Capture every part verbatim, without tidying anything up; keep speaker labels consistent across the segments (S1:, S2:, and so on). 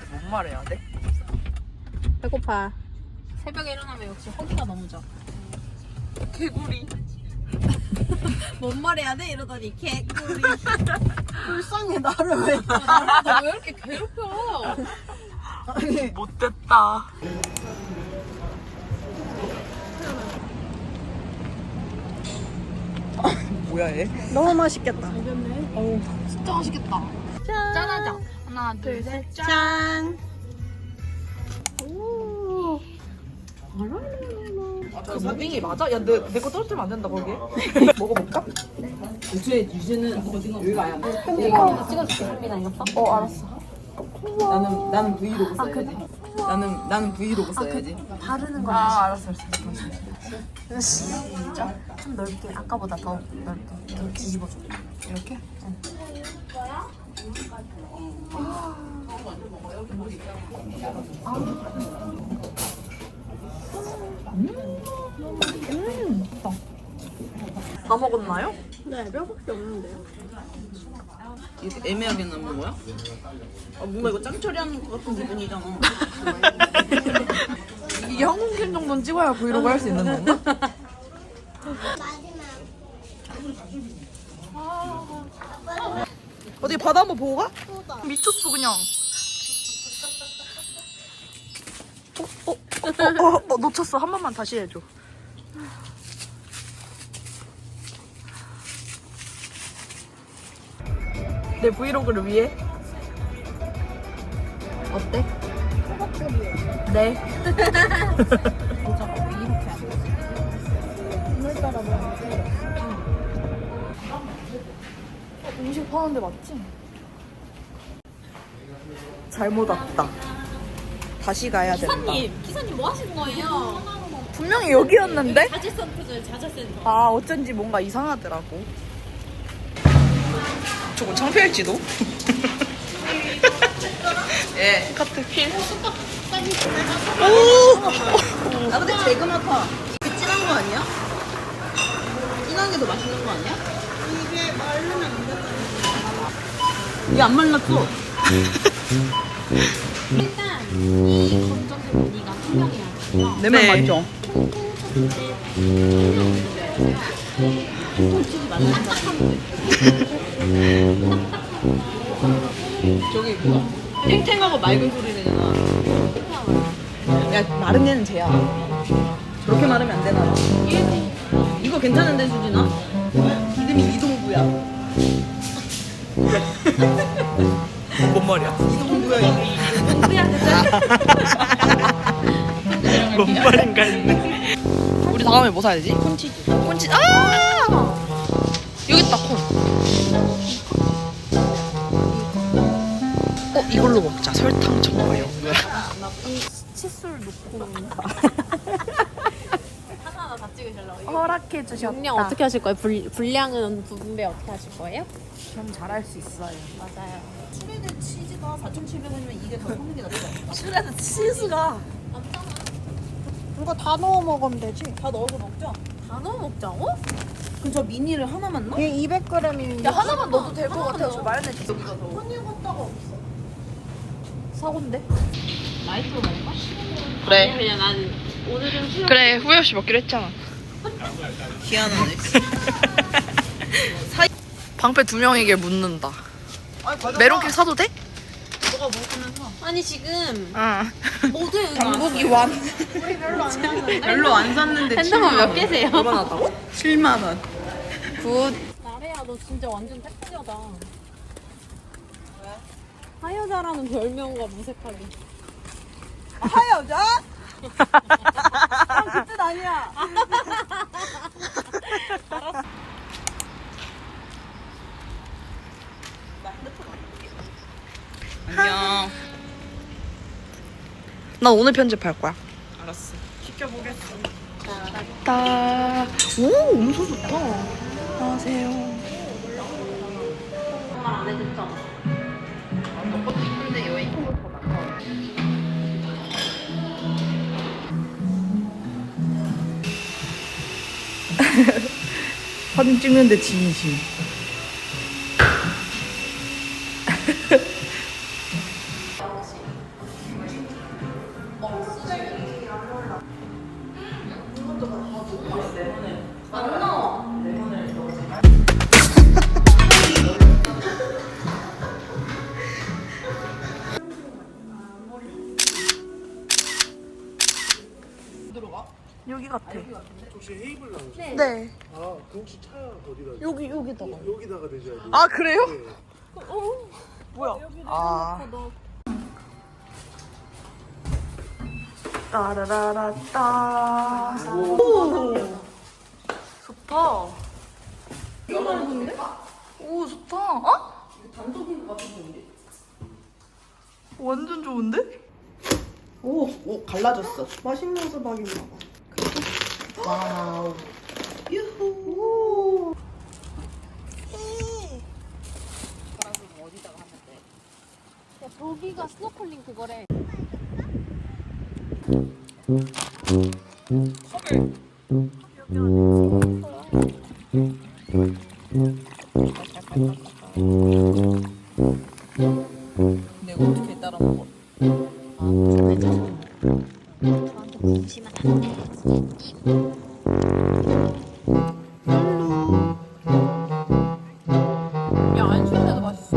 S1: 뭔 말해야 돼?
S2: 배고파. 새벽에 일어나면 역시 허기가 너무 져.
S1: 개구리.
S2: 뭔 말해야 돼? 이러더니 개꿀이. 불쌍해 나를 왜? 나를 왜 이렇게 괴롭혀?
S1: 못됐다. 뭐야 얘?
S2: 너무 맛있겠다.
S1: 어우.
S2: 진짜 맛있겠다. 짠. 짠하자. 하나, 둘, 셋, 짠. 짠. 오.
S1: 그 무빙이 맞아? 야, 내 내 거 떨어뜨리면 안 된다 거기에. 먹어볼까?
S3: 유주의 유주는 어디가 여기가 아니야.
S2: 이거 찍어줄게. 현민아 이거 봐.
S1: 어, 알았어.
S3: 나는 나는 브이로그 써야지. 나는 나는 브이로그 써야지.
S2: 바르는 거
S1: 아, 알았어, 알았어.
S2: 진짜? 좀 넓게. 아까보다 더 넓게. 이렇게 뒤집어줘.
S1: 이렇게? 다 먹었나요?
S2: 네, 뼈밖에 없는데요.
S3: 이렇게 애매하게 남는 거야? 아 뭔가 이거 짱 처리하는 것 같은 기분이잖아.
S1: 이게 항공캔 정도는 찍어야 브이로그 할 수 있는 건가? 어디 바다 한번 보고 가? 미쳤어 그냥. 어, 어, 어, 어, 어, 놓쳤어. 한 번만 다시 해줘. 내 브이로그를 위해. 어때? 네. 음식 파는데 맞지? 잘못 왔다. 다시 가야 된다.
S2: 기사님, 기사님 뭐 하시는 거예요?
S1: 분명히 여기였는데?
S2: 자재센터죠, 자재센터.
S1: 아 어쩐지 뭔가 이상하더라고. 조금 창피할지도? 예. 카트 필.
S3: 아 근데 재그마파 이게 진한 거 아니야? 진한 게 더 맛있는 거 아니야? 이게 말르면 안 되잖아. 이게 안 말랐어.
S2: 일단 이 검정색 무늬가 투명해야 돼요.
S3: 내말
S1: 네.
S3: 맞죠?
S2: 솔직히 말한다.
S3: 저기 뭐야? 탱탱하고 맑은 소리 내잖아. 야 마른 애는 쟤야. 저렇게 마르면 안 되나? 이거 괜찮은데 수진아? 이름이 이동구야.
S1: 뭔 말이야?
S3: 이동구야 이거.
S1: 뭔 말인가 했네. 우리 다음에 뭐 사야 되지? 콘치즈. 콘치즈. 아! 여기 있다 콘. 어 이걸로 먹자. 설탕 정말 연구야.
S2: 칫솔 놓고 하나하나 다 찍으시려고.
S1: 허락해 주셨다.
S2: 용량 어떻게 하실 거예요? 불, 분량은 분배 어떻게 하실 거예요?
S1: 좀 잘할 수 있어요.
S2: 맞아요.
S3: 슈레드 치즈가 사천칠백 원이면 이게 더 사는 게 낫다.
S1: 슈레드 치즈가
S2: 이거 다 넣어 먹으면 되지.
S3: 다 넣어서 먹자.
S2: 다 넣어 먹자고?
S3: 그럼 저 미니를 하나만 넣어?
S2: 이게 이백 그램이면
S1: 야 하나만 넣어도 될 것 같아요. 저 마요네즈.
S3: 여기가 더.
S2: 혼이 갔다가 없어.
S1: 사고인데?
S2: 라이트로 먹을까?
S1: 그래.
S2: 그냥 나는 오늘은 수영.
S1: 그래 후회 없이 먹기로 했잖아.
S3: 희한하네.
S1: 방패 두 명에게 묻는다.
S3: 아니, 과자
S1: 메론케이크 사도 돼?
S3: 너가 먹으면 사.
S2: 아니 지금
S1: 응.
S2: 모두 여기
S1: 당국이 완.
S2: 우리 별로 안 샀는데.
S3: 별로 안 샀는데
S2: 핸드폰 몇 개세요?
S1: 얼마나 다고?
S3: 칠만 원.
S1: 굿.
S2: 나래야 너 진짜 완전 택지여다. 왜? 하여자라는 별명과 무색하게.
S3: 하여자? 아, 그뜻 아니야. 안녕.
S1: 난 오늘 편집할 거야.
S3: 알았어. 시켜보겠어.
S1: 따. 오, 음소 좋다. 안녕하세요.
S2: 정말 안 해줬잖아.
S3: 너것도 이쁜데 여행 더 낫다.
S1: 사진 찍는데 진심. 여기 같아.
S4: 혹시 헤이블 나오죠?
S2: 네.
S1: 네.
S4: 아, 그 혹시 차 어디다?
S1: 여기 여기다가.
S4: 여기다가 대줘야 돼.
S1: 아 그래요?
S4: 네.
S1: 뭐야? 아. 따라라라따. 오. 좋다. 이거 많은데? 오 좋다. 어?
S3: 단독인 것 같은데.
S1: 완전 좋은데?
S3: 오, 오 갈라졌어.
S1: 맛있는 수박인가 봐.
S3: 와우.
S1: 유후.
S2: 야, 저기가 스노클링 그거래.
S3: 내가 어떻게 따라 먹어?
S2: 야, 안 추운데도 맛있어.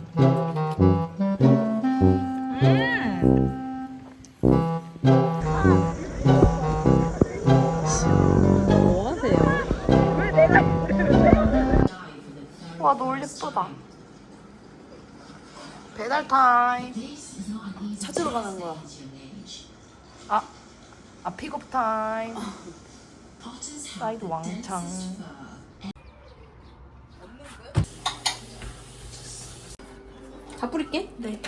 S3: 뭐 하세요?
S1: 와 너무 예쁘다. 배달 타임.
S3: 찾으러 가는 거야.
S1: 아, 아 픽업 타임. 사이드 왕창.
S2: 다 뿌릴게.
S1: 네.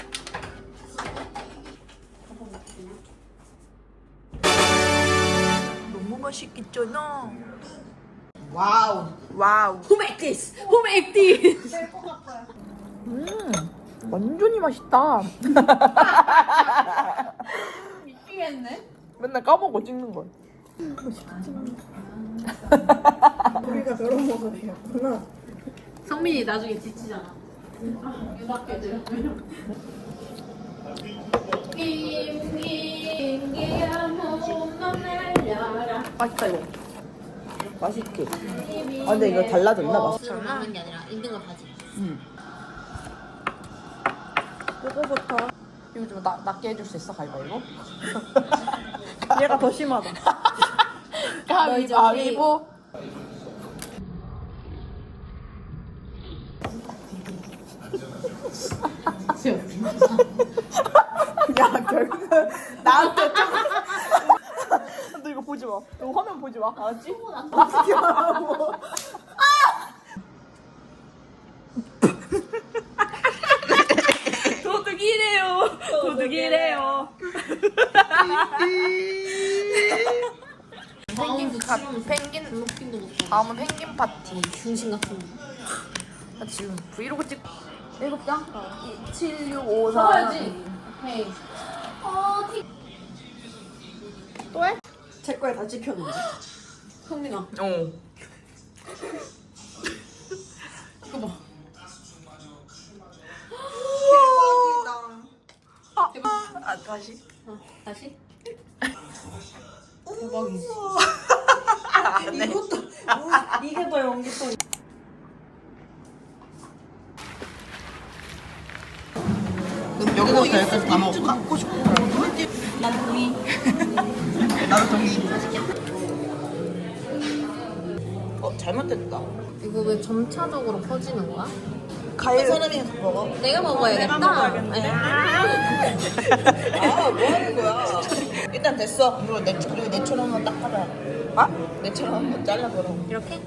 S1: 너무 맛있겠잖아.
S3: 와우.
S1: 와우.
S2: Who make this? Who make this?
S1: 음, 완전히 맛있다.
S2: 미치겠네.
S1: 맨날 까먹어 찍는 걸. 우리가 저런 모습이었구나.
S2: 성민이 나중에 지치잖아. 유학교 들으면.
S1: 맛있다 이거.
S3: 맛있게. 아 근데 이거 달라졌나 맛.
S2: 저는 먹는 게 아니라 있는 걸 가지.
S1: 그거부터. 이거 좀 나, 낮게 해줄 수 있어 가위바위보? 얘가 더 심하다. 가위바위보. 야 결국 나한테 좀. 너 이거 보지 마. 너 화면 보지 마. 알았지? 어떻게 하라고. 도둑이래요. 도둑이래요. 펭귄 파 펭귄
S2: 블록킹도 못 봐.
S1: 다음은 펭귄 파티.
S2: 중심 같은 거.
S1: 나 지금 브이로그 찍. 일곱 장? 칠, 육, 오, 사.
S2: 써야지. 오케이. 어, 티.
S1: 또 해?
S3: 제 거에 다 찍혔는데.
S2: 성민아.
S1: 어.
S2: 이거 봐.
S1: 대박이다. 아, 아 다시.
S2: 어, 다시.
S3: 대박이지.
S1: 안 해.
S3: 이것도 이게 더 연기성. 여기부터 여기까지 다 먹을까? 먹고 싶어.
S2: 난 동의.
S3: 나도 동의. 어 잘못됐다.
S2: 이거 왜 점차적으로 퍼지는 거야?
S3: 가위 사람이 먹어.
S2: 내가 먹어야겠다.
S3: 먹어야겠는데? 아, 뭐 하는 거야? 일단 됐어. 그리고 내, 그리고 내처럼 한번 딱 하자. 아? 내처럼 한번 잘라보라.
S2: 이렇게?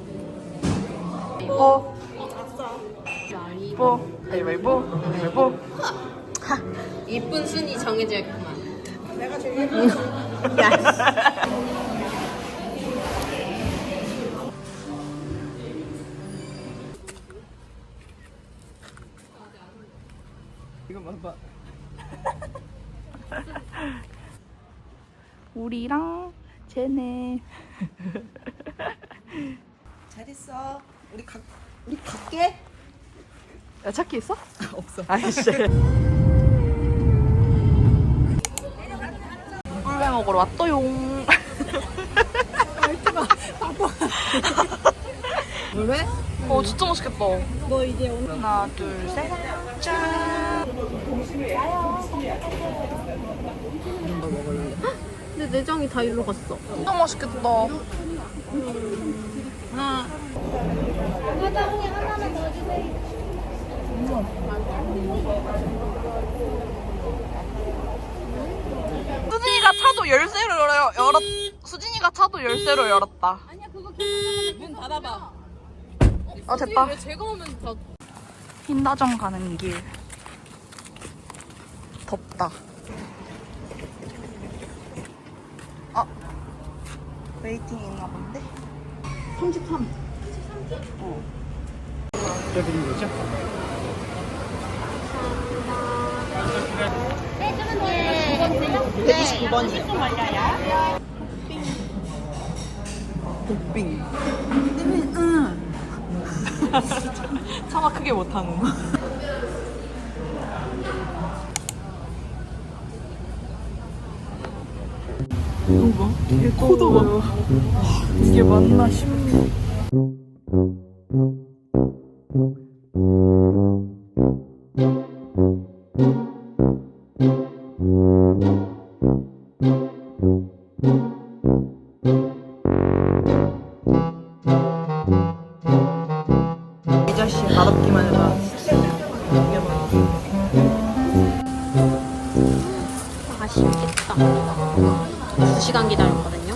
S1: 뽀.
S2: 말이
S1: 뽀. 가위바위보. 가위바위보.
S2: 이쁜 순위 정해져야겠구만.
S3: 내가 제일 예쁜
S1: 이거 봐봐. 우리랑 쟤네.
S3: 잘 있어. 우리 가, 우리 갈게.
S1: 야 찾기 있어?
S3: 없어.
S1: 아이씨. 꿀배 먹으러 왔어용.
S3: 왜?
S1: 어 진짜 맛있겠다.
S3: 너 이제 오늘
S1: 하나 둘 셋. 짠.
S3: 이런 거 먹을래?
S2: 근데 내장이 다 일로 갔어.
S1: 진짜 맛있겠다.
S3: 하나.
S1: 수진이가 차도 열쇠로 열어, 열었. 수진이가 차도 열쇠로 열었다.
S2: 아니야 그거 계속 문 닫아봐.
S1: 아 됐다.
S2: 왜 제가 오면 다
S1: 흰다정 가는 길. 덥다. 아 웨이팅 있나 본데?
S3: 삼십삼.
S4: 드린 거죠?
S3: 백이십구 번이요. 복빙. 응. 차마 크게 못하는. 이거 봐. 얘 코도 봐. 이게 맞나 싶네. 이 자식 맛없기만 해봐.
S2: 아쉽겠다. 두 시간 기다렸거든요.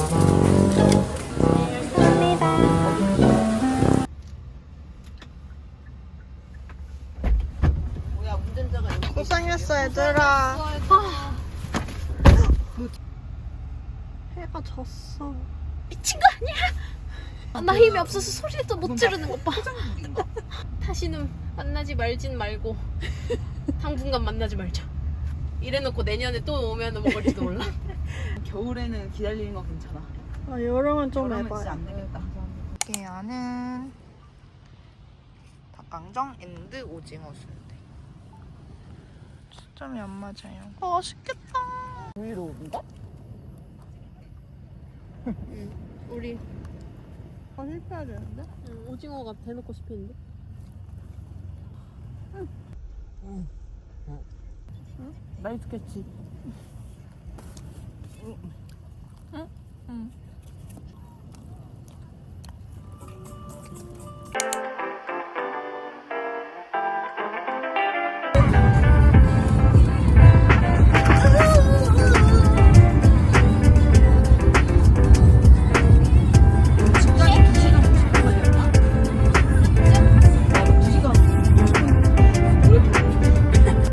S3: 뭐야 운전자가 여기.
S1: 고생했어 얘들아.
S2: 해가 졌어. 미친 거 아니야? 나 힘이 없어서 소리도 못 지르는 것 봐. 다시는 만나지 말진 말고 당분간 만나지 말자. 이래놓고 내년에 또 오면 먹을지도 몰라.
S3: 겨울에는 기다리는 거 괜찮아.
S1: 아 여름은 좀
S3: 여름은
S1: 해봐요.
S3: 진짜 안 되겠다.
S1: 계란은 닭강정 앤드 오징어 순대. 초점이 안 맞아요. 아, 맛있겠다.
S3: 브이로그인가?
S2: 응. 우리
S1: 아 실패해야 되는데?
S2: 응, 오징어가 대놓고 씹히는데.
S3: 나이스 캐치.
S1: 응? 응.